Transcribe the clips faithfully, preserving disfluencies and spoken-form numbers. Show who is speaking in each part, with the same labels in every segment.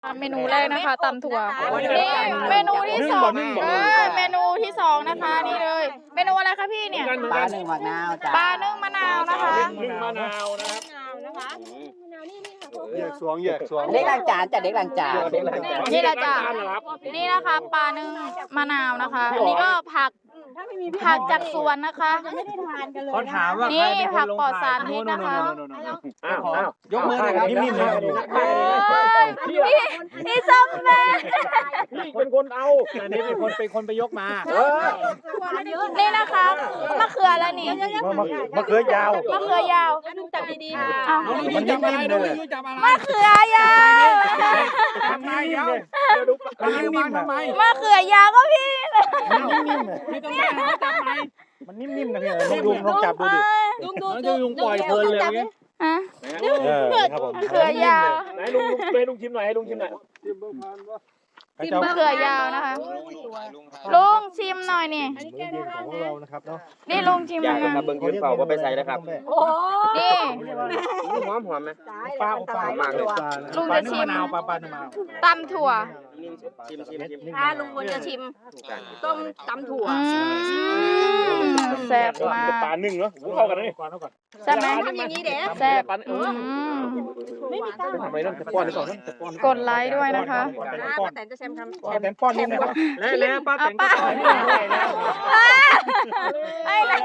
Speaker 1: เมนูแรกนะคะตำถั่วนี่เมนูที่สองเออเมนูที่สองนะคะนี่เลย เมนูอะไรคะพี่เนี่ย
Speaker 2: ปลานึ่งมะนาวจ้า
Speaker 1: ปลานึ่งมะนาวนะคะ
Speaker 3: นึ่งมะนาวนะครับ
Speaker 4: แยกสวงแยกสวง
Speaker 2: เด็กล้างจานจ้ะเด็กล้างจาน
Speaker 1: นี่แหละจ้ะนี่นะคะปลานึ่งมะนาวนะคะ อันนี้ก็ผักผักจากสวนนะคะ
Speaker 4: เขาถามว่า
Speaker 1: นี่
Speaker 4: ใครเป็นค
Speaker 1: ผั
Speaker 4: น
Speaker 1: ก
Speaker 4: ลง
Speaker 1: ปลอด
Speaker 4: ทา
Speaker 1: สาน รพิษนะคะ
Speaker 3: อ้าวอ้าวย
Speaker 4: กมือหน่อยครับนิ่มๆเลย
Speaker 3: พี่
Speaker 1: นี่นี่ส้มแม่
Speaker 3: พี่เป็นคนเอา
Speaker 4: อันนี้เป็นคนเป็นคนไปยกมา
Speaker 3: เออ
Speaker 1: นี่นะคะมะเขือแล้วนี่
Speaker 4: มะเขือยาว
Speaker 1: มะเขือยาวอ้าว
Speaker 4: มันนิ่มๆเลย
Speaker 1: มะเขือยาว
Speaker 4: ทำไมเดี๋ยว
Speaker 3: เดี๋ยวดู
Speaker 4: มันนิ่มๆทำไม
Speaker 1: มะเขือยาวก็พี่
Speaker 4: มันนิ่มๆเลยมันนิ่มๆนะพี่ลองดูลองจับดูดิ
Speaker 5: ลุงดู
Speaker 4: แล้วจะลุงปล่อยเพลินเลยอย่างเงี้ย
Speaker 1: ฮะ
Speaker 4: เออครับผม
Speaker 1: มะเขือยาว
Speaker 3: ไหนลุงลุงให้ลุงชิมหน่อยให้ลุงชิมหน่อย
Speaker 1: มะเขือยาวนะคะลุงชิมหน่อยนี่
Speaker 4: ของเรานะครับเนาะ
Speaker 1: นี่ลุงชิมห
Speaker 6: อ
Speaker 1: น่
Speaker 6: ยา
Speaker 1: อก ย
Speaker 6: นะครับเบิ่งยืนเฝ้าว่าไปใส่นะครับ
Speaker 5: โอ้
Speaker 1: นี่
Speaker 6: หอมหอมไหม
Speaker 4: ปลาปลามากเลย
Speaker 1: ลุง
Speaker 4: ปลา
Speaker 1: จะ
Speaker 4: นึ่ง
Speaker 1: ชิม
Speaker 4: มะนาวปลาปลานึ่งมะนาว
Speaker 1: ตำถั่ว
Speaker 6: ชิมชิมชิม
Speaker 5: อาลุงควรจะชิมต้มตำถั่ว
Speaker 1: อืมแซ่บมาก
Speaker 3: ปลาหนึ่งเนาะเข้ากันนะนี่
Speaker 4: ก่อนเอาก่อน
Speaker 1: ใช่ไหม
Speaker 5: ทำอย่างนี้เด้
Speaker 1: แซ่บ
Speaker 3: ปลาเอ
Speaker 1: อื
Speaker 3: อ
Speaker 1: ม
Speaker 3: ทำไมต้องป้อนให้ก่อนนะป้อน
Speaker 1: กดไลค์ด้วยนะคะ
Speaker 5: ป้าแต่จะแชมทำแชม
Speaker 4: แตนป้อนนิดนึงแล้วแล้วป้าแต่งก็ป้อนนิดนึงแล้ว
Speaker 1: ไอ้ไร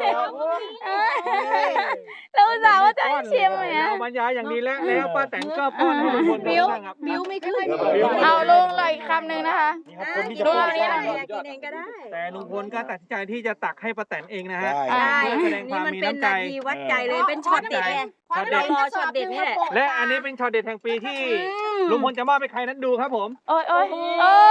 Speaker 1: เราอุตส่าห์ว่าจะให้ชิมเนี่ย
Speaker 4: เอาบรรยายอย่างดีแล้วแล้วป้าแต่งก็ป้อนให้ทุกคน
Speaker 5: บิ้ว
Speaker 4: บ้างครับ
Speaker 5: บิ้วไม่ขึ้น
Speaker 1: เอาลุงเลยอีกคำหนึ่งนะคะ
Speaker 4: นี่ครับคนที่จะ
Speaker 1: ลุง
Speaker 4: ป้อ
Speaker 1: เอา
Speaker 4: น
Speaker 1: นี้หน่อย
Speaker 5: กินเองก็ได้
Speaker 4: แต่ลุงพลก็ตัดสินใจที่จะตักให้ป้าแตนเองนะฮะ
Speaker 1: อ่า
Speaker 4: เพื่อแสดงค
Speaker 5: นี่
Speaker 4: วาม
Speaker 5: มัน
Speaker 4: มี
Speaker 5: เป็น
Speaker 4: น้ำใจ
Speaker 5: นาทีวัดใจเลยเป็นช็อตเด็ดไง
Speaker 4: ช็อตเด็ด
Speaker 5: รอช็อตเด็ดนี่แหละ
Speaker 4: และอันนี้เป็นช็อตเด็ดแห่งปีที่ลุงพลจะมอบให้ใครนั้นดูครับผม
Speaker 1: โอ้ยโอ้ยโอ้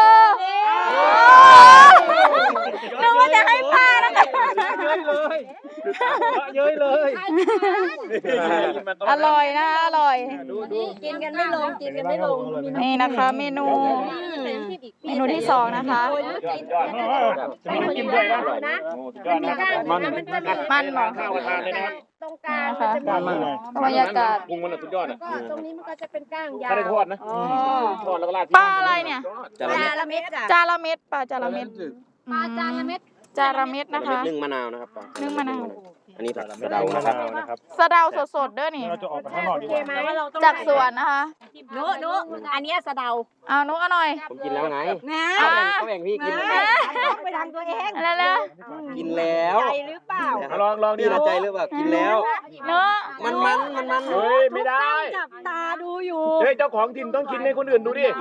Speaker 1: นึกว่าจะให้ป้านะคะ
Speaker 4: เย้ยเลยเย้ยเลย
Speaker 1: อร่อยนะอร่อย
Speaker 4: ดูดู
Speaker 5: กินกันไม่ลงกินกันไม่ลง
Speaker 1: นี่นะคะเมนู เมนูที่สองนะคะ
Speaker 4: จะมีน้ำจิ้มด้วยนะ
Speaker 3: ยอดนะมัน
Speaker 1: มันหมอ
Speaker 3: ข้าวกระทานเลยนะครับ
Speaker 5: ตรงกลาง
Speaker 1: นะคะ
Speaker 4: ก้านมากเลย
Speaker 1: บรรยากาศ
Speaker 3: ปรุงมันสุดยอดอ่ะ
Speaker 5: ก็ตรงนี้มันก็จะเป็นก้างยา
Speaker 3: ถ้าว ได้ทอดนะทอดแล้วก็ราด
Speaker 1: ปลาอะไรเนี่ย
Speaker 6: จา
Speaker 5: จา
Speaker 6: ระ
Speaker 5: ละเม็ดจ้ะ
Speaker 1: จาระเม็ดปลาจาระเม็ดปลาจาระเม็ดจาระเม็ดนะคะ
Speaker 6: นึ่งมะนาวนะครับ
Speaker 1: นึ่งมะนาว
Speaker 6: อันนี้ผักสะเดานะครับ
Speaker 4: นะครับ
Speaker 1: สะเดาสดๆเด้อนี่
Speaker 4: เราจะออกไปข้างนอกดีกว่า
Speaker 1: จากสวนนะคะ
Speaker 5: โน้โน้อันนี้สะเดา
Speaker 1: เอานุกเอาหน่อย
Speaker 6: ผมกินแล้วไง
Speaker 5: นะ
Speaker 1: อ่า
Speaker 6: เขาแบ่งพี่กิน
Speaker 5: ไปทางตัวเอง
Speaker 1: แล้วแล้ว
Speaker 6: กินแล้ว
Speaker 5: ใจหรือเปล่า
Speaker 3: ลองลองดิ
Speaker 6: พี่ละใจหรือเปล่ากินแล้ว
Speaker 1: เนื้อ
Speaker 6: มันมันมันมัน
Speaker 3: เฮ้ยไม่ได้
Speaker 5: จับตาดูอยู่
Speaker 3: เฮ้ยเจ้าของถิ่นต้องกินให้คนอื่นดูดิ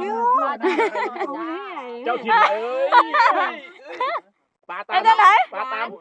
Speaker 3: เจ้าถิ่นเอ้ยปลาตา
Speaker 1: ไอ้
Speaker 3: ม
Speaker 1: เจ้าไหน
Speaker 3: ปลาตาม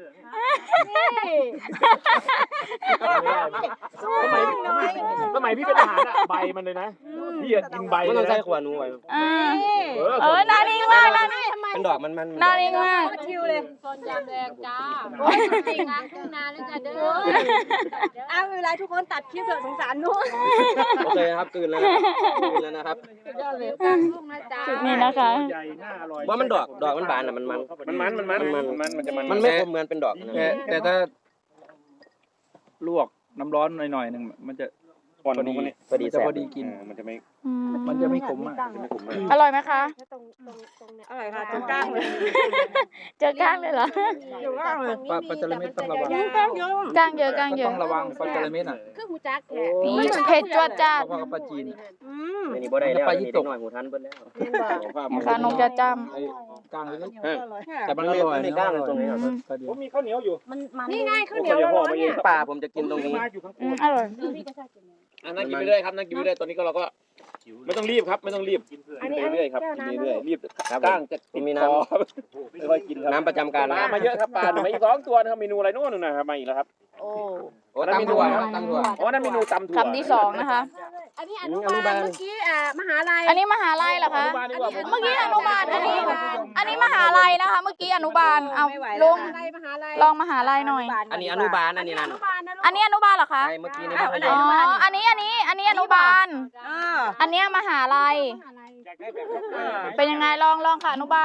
Speaker 3: สมัยสมัยพี่เป็นทหารอะใบมันเลยนะพี่อะกินใบ
Speaker 6: มัน
Speaker 3: เล
Speaker 6: ต้อง
Speaker 3: ย
Speaker 6: ใส่
Speaker 3: นะ
Speaker 6: ขวานูไว้
Speaker 1: อ่า
Speaker 3: เออ
Speaker 1: เออนานิ่งมากนานิ่ง
Speaker 6: เป็นดอกมันมัน
Speaker 1: นานิ่งมาก
Speaker 5: ชิวเลย
Speaker 7: คนยามแดงจ้าจริงนะทุ่งนาแล้วจะเด้อ
Speaker 5: อ้าวเวลาทุกคนตัดคลิปเถอะสงสารนู้น
Speaker 6: โอเคครับตื่นแล้วตื่นแล้วนะครับ
Speaker 7: ทุ่งนะจ้า
Speaker 1: นี่นะคะ
Speaker 4: ใหญ่น่าอร่อย
Speaker 6: ว่ามันดอกดอกมันบานอ่ะมันมัน
Speaker 3: มันมันมันมันมันมันมันจะมัน
Speaker 6: มันไม่คมเหมือนเป็นดอกนะ
Speaker 8: แต่แต่ถ้าลวกน้ำร้อนหน่อยๆหนึ่งมันจะ
Speaker 3: ก่อน
Speaker 8: พอดี
Speaker 3: มันนี่
Speaker 6: พอดี
Speaker 8: จะ
Speaker 6: แซ่
Speaker 8: พ
Speaker 6: บ
Speaker 8: อดีกิน
Speaker 3: มันจะไม่
Speaker 1: อืม
Speaker 8: มันจะไม่ขมมาก
Speaker 3: ไม่ขมมาก
Speaker 1: อร่อยไหมคะ
Speaker 5: อร่อยค่ะตรงกลางเลย
Speaker 1: เจอก้างเลยเหรอ
Speaker 5: อยู่กลางเลย
Speaker 8: ปลาปลาจาระเม็ดต้องระวัง
Speaker 5: กลางเยอะ
Speaker 1: ก้างเยอะก้างเย
Speaker 8: ต้
Speaker 1: อะ
Speaker 8: องระวังปลาจาระเม็ดอ่ะ
Speaker 7: คือหูจักแท้
Speaker 1: นี่เผ็ดจวดจ้าด
Speaker 8: เพราะว่าปลาจีน
Speaker 5: อืม
Speaker 6: ไม่นี่บ่ได้แล้วนี่เด็กหน่อยหูทันเบิ้ลแล้ว
Speaker 1: นะคะนมจะจ้
Speaker 8: ไอ้กลางเล็ก
Speaker 3: เออ
Speaker 8: ๆแต่มันอร่อย
Speaker 6: ไม่กล้าเลยตรงนี้ครับ
Speaker 8: ปลาดี
Speaker 3: ผมมีข้าวเหนียวอยู่
Speaker 5: มันมัน
Speaker 7: นี่ไงข้าวเหนี
Speaker 3: เดี๋
Speaker 7: ย
Speaker 3: ยว ว
Speaker 7: ร้
Speaker 3: พ่อ
Speaker 7: อน
Speaker 3: มา
Speaker 7: ๆ
Speaker 3: เย็
Speaker 7: เนี่
Speaker 3: น
Speaker 7: ย
Speaker 6: ปลาผมจะกินตรงนี้
Speaker 3: มาอยู่ข้าง
Speaker 1: ำอืมอร่อย
Speaker 3: อันนั้นกินไปเรื่อยครับนั่งกินไปเรื่อยตอนนี้ก็เราก็ไม่ต้องรีบครับไม่ต้องรีบกินไปเรื่อยครับกินเรื่อยรีบก้างจะติดคอค่อยกินครับ
Speaker 6: น้ำประจำการ
Speaker 3: ปลามาเยอะครับปลามาอีกสองตัวนะครับเมนูอะไรนู่นนะครับมาอีกแล้วครับ
Speaker 5: โอ้
Speaker 6: โอ้ตำถั่วครับตำถั่ว
Speaker 3: อ๋อนั่นเมนูตำถั่ว
Speaker 1: คำที่สองนะคะ
Speaker 7: อันนี้อนุบาลเมื่อกี้อ่ามหาลัย
Speaker 1: อันนี้มหาลัยเหรอคะ
Speaker 3: อนุบาลดีกว่า
Speaker 1: เมื่อกี้อนุบาล อันนี้ อันนี้มหาลัยนะคะ เมื่อกี้อนุบาล เอาลุง
Speaker 7: อะไรมหาลัย
Speaker 1: ลองมหาลัยหน่อย
Speaker 6: อันนี้อนุบาลอันนี้นั่น
Speaker 7: อนุบาลนะลูก
Speaker 1: อันนี้อนุบาลเหรอคะ
Speaker 6: ไอ้เมื่อกี้นี่มัธย
Speaker 1: อ๋อ
Speaker 6: ม
Speaker 1: อันนี้ อันนี้ อันนี้อนุบาล
Speaker 5: อ่า
Speaker 1: อันเนี้ยมหาลัย เป็นยังไงลองลองค่ะอนุบาล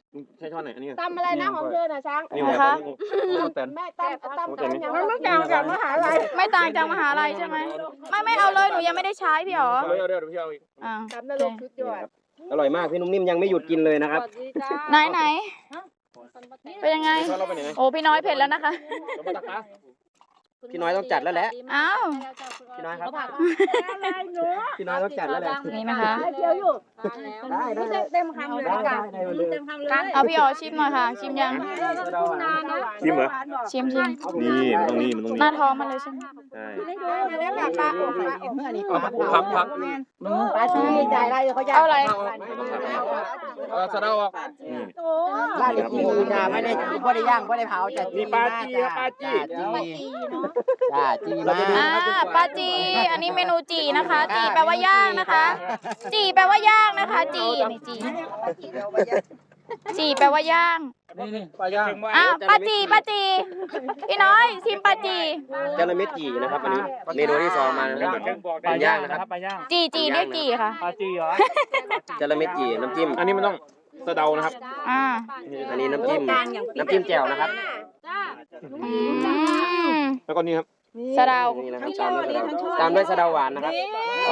Speaker 3: ใช้ช้อนไหนอันนี้
Speaker 5: ตำอะไรนะของเธอน่ะช้าง
Speaker 3: นี่
Speaker 1: นะคะ
Speaker 3: แตน
Speaker 5: แม่ตำตำตำมันไม่ต่างจากมหาลัย
Speaker 1: ไม่ต่างจากมหาลัยใช่ไหมไม่ไม่เอาเลยหนูยังไม่ได้ใช้พี่หรอ
Speaker 3: เอาเลยเอาเดี๋ยวพี่เอาอีก
Speaker 1: อ่า
Speaker 5: ตำนรกสุดยอด
Speaker 6: อร่อยมากพี่นุ่มนิ่มยังไม่หยุดกินเลยนะครับ
Speaker 1: ไหนไหนเป็นยังไง
Speaker 3: ช้อนเราไปไหน
Speaker 1: โอ้พี่น้อยเผ็ดแล้วนะคะ
Speaker 3: เรามาตักนะ
Speaker 6: พี่น้อยต้องจัดแล้วแหละ
Speaker 1: อ้าว
Speaker 6: พี่น้อยครับ
Speaker 5: อะไรหนู
Speaker 6: พี่น้อยต้องจัดแล้วแหละ
Speaker 1: นี่นะคะ
Speaker 5: เจียวอยู่
Speaker 6: ได้ได้
Speaker 5: เต็มเต็มคำเลย
Speaker 6: ได้
Speaker 5: จ้ะ
Speaker 6: ได้ได้เลย
Speaker 5: เต็มคำเลย
Speaker 1: เอาพี่อ๋อชิมหน่อยค่ะ ชิมยัง
Speaker 5: นานนะ
Speaker 3: ชิมเหรอ
Speaker 1: ชิมชิม
Speaker 3: นี่มันต้องนี่มันต้อง
Speaker 1: หน้าท้องมันเลยใช่ไหม
Speaker 3: ใช่
Speaker 5: ไม่ดูแล้วแบบปลาอบปลาอบ
Speaker 2: เมื่อนี้
Speaker 3: พักพัก
Speaker 2: ปลาชีจ่ายไรเขาอยาก
Speaker 1: เอาอะไร
Speaker 3: เออสะเดาอ่ะ
Speaker 5: โอ้
Speaker 2: ลาดจีจ้าไม่ได้ไม่ได้ย่างไม่ได้เผาจ้ะ
Speaker 3: นี่ปลาจีครับปลาจี
Speaker 2: จ้าจีมา
Speaker 1: อ่าปลาจี อันนี้เมนูจีนะคะ จีแปลว่าย่างนะคะ จีแปลว่าย่างนะคะ จีนี่จีจีแปลว่าย่าง
Speaker 8: นี่นี่ปลาย่าง
Speaker 1: อ่ะปลาจีปลาจีพี่น้อยชิมปลาจี
Speaker 6: จระเม็ดจีนะครับอันนี้เมนูที่สองมานะครับ
Speaker 8: ปลาย่างนะครับปลาย่าง
Speaker 1: จีจีเรียกจีค่ะ
Speaker 8: ปลาจีเหรอ
Speaker 6: จระเม็ดจีน้ำจิ้ม
Speaker 3: อันนี้มันต้องสะเดานะครับ
Speaker 1: อ่า
Speaker 6: อันนี้น้ำจิ้มน้ำจิ้มแจ่วนะครับ
Speaker 1: อืม
Speaker 3: แล้วก็นี่ครับ
Speaker 1: สะเดา
Speaker 6: นี่นะครับตามด้วยสะเดาตามด้วยสะเดาหวานนะครับ
Speaker 1: โอ้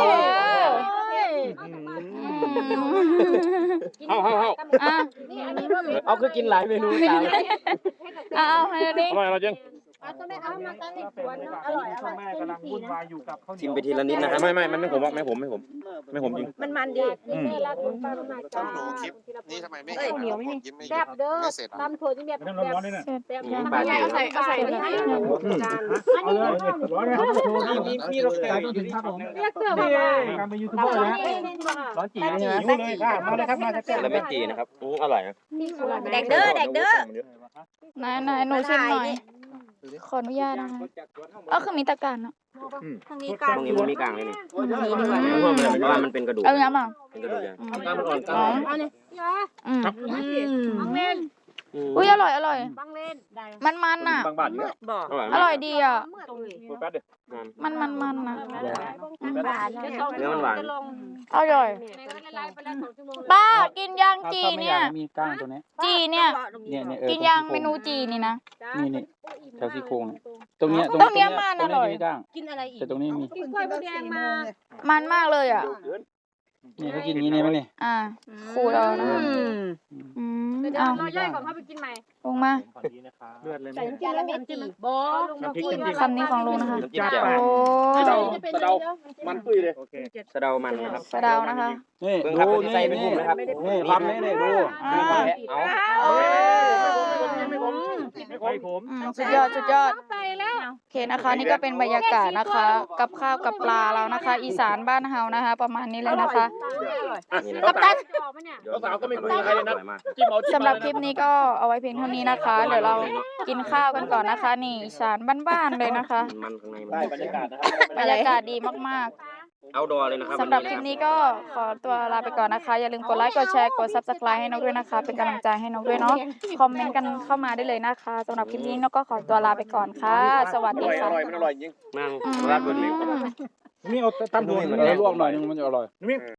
Speaker 3: เข้าเข้าเข้า
Speaker 1: อ่ะ
Speaker 6: เอาคือกินหลายเมนูตาม
Speaker 1: เอาเอาให้ดูดิ
Speaker 3: อร่อยอร่อยจริง
Speaker 5: อร่อยอร่อย
Speaker 8: แม่กำลังวุ่นวายอยู่กับข้าวเหนี
Speaker 6: ชิ
Speaker 8: ย
Speaker 6: ม
Speaker 8: ว
Speaker 6: ไปทีละนิดนะครับ
Speaker 3: ไม่ไม่มันไม่ผมว่าไม่ผมไม่ผมไม่ผมจริง
Speaker 5: มันมันดี
Speaker 3: อืม
Speaker 9: ต้องดูคลิปนี้ทำไมไม่
Speaker 5: เอ้ย
Speaker 9: เห็น
Speaker 5: เหนียวไหมนี่
Speaker 9: ยิ้มไม่หยุ
Speaker 5: แซ่
Speaker 9: ด
Speaker 5: บเด้อ
Speaker 9: ไม่เสร็จอ่ะ
Speaker 5: ตำถั่วที่แบบ
Speaker 8: น้ำร้อนๆนี่นะ
Speaker 5: แบบ
Speaker 6: ปลาจี
Speaker 1: เอาใส่เอาใส่เลย
Speaker 8: เอาเลยร้อนเลยครับโชว์นี่นี่นี่เราขายต้องถึงครับผม
Speaker 5: เรียกเสื้อมาว่า
Speaker 8: การเป็นยูทูบเบอร์นะร้อนจีใช่ไหมหิวเลยค่ะมาเลยครับมาจะแก้
Speaker 6: จระเม็ดจีนะครับอืมอร่อยนะ
Speaker 5: แดกเด้อแดกเด้อ
Speaker 1: ไหนไหนหนูชิมหน่อย ขออนุญาตนะคะเออคือมีตะการเนาะ
Speaker 5: ทางนี้
Speaker 6: ต
Speaker 5: กัน
Speaker 6: รงนี้มันมีกลางเลยนี่เพราะว่ามันเป็นกระดูก
Speaker 1: เอาน้ำอ่ะ
Speaker 6: เป็นกระดูกอย่าง
Speaker 3: กล้ามมันอ่อนกล้ามมันอ่อน
Speaker 1: อืม
Speaker 5: บังเล่น
Speaker 1: อุ้ยอร่อยอร่อย
Speaker 5: บังเล่นได้
Speaker 1: มันมันอ่ะ
Speaker 3: บางบาทอยู่
Speaker 5: บอก
Speaker 6: อร่อย
Speaker 1: อ
Speaker 6: มาก
Speaker 1: ร่อยดีอ่ะ
Speaker 3: เปิดแป๊บเดียว
Speaker 1: มันมันมันอ่ะ
Speaker 6: เนื้อมันหวาน
Speaker 1: อร่อยป้ากินย่างจี
Speaker 8: ถ้าไม่อ
Speaker 1: เนี่ย
Speaker 8: ยากมีกล้างตัวนี้
Speaker 1: จีเนี่ย
Speaker 8: เนี่ยเนี่ยเออ
Speaker 1: กินย่างเมนูจีนี่นะ
Speaker 8: นี่นี่แถวซี่โครงเนี่ยตรงเนี้ย
Speaker 1: ตรงเนี้ยมัน
Speaker 8: ตร
Speaker 1: อง ร่อย
Speaker 8: เนี้ยมีกล้าง
Speaker 5: กินอะไรอีก
Speaker 8: แต่ตรงนี้มี
Speaker 5: กินกล้วยมะแดงมา
Speaker 1: มันมากเลยอ่ะ
Speaker 8: นี่เขากินอย่างนี้เนี่ยไหมนี่
Speaker 1: อ่าขูดเอานะคะอืม
Speaker 5: เดี๋ยว
Speaker 1: เอา
Speaker 5: เราย่อยก่อนเขาไปกินใหม่
Speaker 1: ลงมา
Speaker 8: เลือดเลย
Speaker 5: ใส่น้ำจิ้มแล้วน้ำจิ้มบอ
Speaker 3: น้ำพริกน้ำพริก
Speaker 1: คำนี้ของลุงนะคะ
Speaker 6: น้ำจิ้มแจ่ว
Speaker 1: โอ้
Speaker 3: สะเดาสะเดามันปุ้ยเลย
Speaker 6: สะเดามันนะครับ
Speaker 1: สะเดานะคะ
Speaker 8: นี่
Speaker 6: เบิ่งครับ
Speaker 8: ดู
Speaker 6: อันนี้
Speaker 8: นี่
Speaker 6: ใส่เป็นกลุ่มนะครับ
Speaker 8: นี่ทำนี่นี่ดู
Speaker 1: อ่า
Speaker 6: เอา
Speaker 1: โอ้
Speaker 8: ไม่ค่อยผม
Speaker 1: อืมสุดยอดสุดยอด
Speaker 5: ไปแล้ว
Speaker 1: โอเคนะคะนี่ก็เป็นบรรยากาศนะคะ กับข้าวกับปลาเรานะคะ อีสานบ้านเฮานะคะ ประมาณนี้เลยนะคะ
Speaker 6: นี่นะ
Speaker 1: กัปตัน
Speaker 3: สาวๆก็ไม่คุยกับใครเลย
Speaker 6: อ
Speaker 3: นะ
Speaker 6: ร่อยมาก
Speaker 3: จิ้มเอาจิ้ม
Speaker 1: สำหรับคลิปนี้ก็เอาไว้เพียงเท่านี้นะคะ เดี๋ยวเรากินข้าวกันก่อนนะคะ นี่อีสานบ้านๆเลยนะคะ
Speaker 6: มันข้างในมัน
Speaker 3: ได้บรรยากาศนะครับ
Speaker 1: บรรยากาศดีมาก
Speaker 6: เอาดอเลยนะครับ
Speaker 1: ๆสำหรับคลิปนี้ก็ขอตัวลาไปก่อนนะคะ อย่าลืมกดไลค์กดแชร์กด ซับสไครบ์ ให้นกด้วยนะคะ เป็นกำลังใจให้นกด้วยเนาะคอมเมนต์กันเข้ามาได้เลยนะคะสำหรับคลิปนี้นกก็ขอตัวลาไปก่อนค่ะ สวัส
Speaker 3: อ
Speaker 1: ดี
Speaker 3: ร่อยอ
Speaker 1: ค่ะ
Speaker 3: ร่อยมันอร่อยจริง
Speaker 6: นั่ง
Speaker 1: อืม
Speaker 6: ราดบนนี้
Speaker 8: นี่เอาตั้มดูมันลวกหน่อยนึงมันจะอร่อย